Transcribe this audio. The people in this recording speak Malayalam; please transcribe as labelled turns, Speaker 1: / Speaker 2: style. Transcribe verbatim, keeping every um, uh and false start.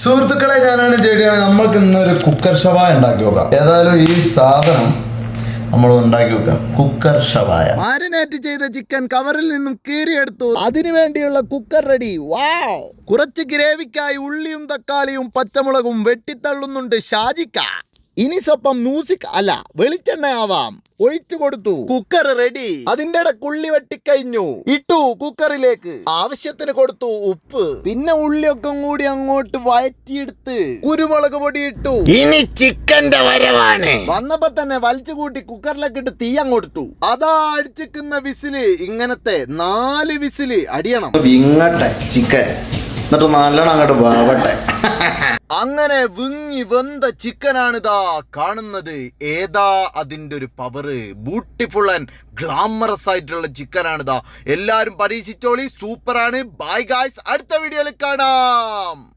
Speaker 1: സുഹൃത്തുക്കളെ, ഞാനാണ് ജെഡിയാണ്. നമ്മൾക്ക് ഇന്നൊരു കുക്കർ ഷവായ ഉണ്ടാക്കി നോക്കാം. ഏതായാലും ഈ സാധനം നമ്മൾ ഉണ്ടാക്കി വെക്കാം. കുക്കർ ഷവായ.
Speaker 2: മാരിനേറ്റ് ചെയ്ത ചിക്കൻ കവറിൽ നിന്നും കീറിയെടുത്തു. അതിനു വേണ്ടിയുള്ള കുക്കർ റെഡി. വാവ്! കുറച്ച് ഗ്രേവിക്കായി ഉള്ളിയും തക്കാളിയും പച്ചമുളകും വെട്ടിത്തള്ളുന്നുണ്ട് ഷാജിക്ക. ഇനി സ്വപ്പം മ്യൂസിക് അല്ല വെളിച്ചെണ്ണയാവാം. ഒഴിച്ചു കൊടുത്തു. Cooker ready. അതിന്റെ ഇടക്കുള്ളി വെട്ടിക്കഴിഞ്ഞു. ഇട്ടു കുക്കറിലേക്ക്. ആവശ്യത്തിന് കൊടുത്തു ഉപ്പ്. പിന്നെ ഉള്ളിയൊക്കെ കൂടി അങ്ങോട്ട് വഴറ്റിയെടുത്ത് കുരുമുളക് പൊടി ഇട്ടു. ഇനി ചിക്കന്റെ വരവാണ്. വന്നപ്പോ തന്നെ വലിച്ചു കൂട്ടി കുക്കറിലേക്ക് ഇട്ട് തീ അങ്ങോട്ടു. അതാ അടിച്ചിക്കുന്ന വിസില്. ഇങ്ങനത്തെ നാല് വിസില് അടിയണം.
Speaker 1: ഇങ്ങട്ടെ ചിക്കൻ എന്നിട്ട് നല്ലോണം അങ്ങോട്ട് വാവട്ടെ.
Speaker 2: അങ്ങനെ വിങ്ങി വെന്ത ചിക്കനാണിതാ കാണുന്നത്. ഏതാ അതിന്റെ ഒരു പവറ്. ബ്യൂട്ടിഫുൾ ആൻഡ് ഗ്ലാമറസ് ആയിട്ടുള്ള ചിക്കനാണിതാ. എല്ലാരും പരീക്ഷിച്ചോളി. സൂപ്പറാണ്. ബൈ ഗായ്സ്, അടുത്ത വീഡിയോയിൽ കാണാം.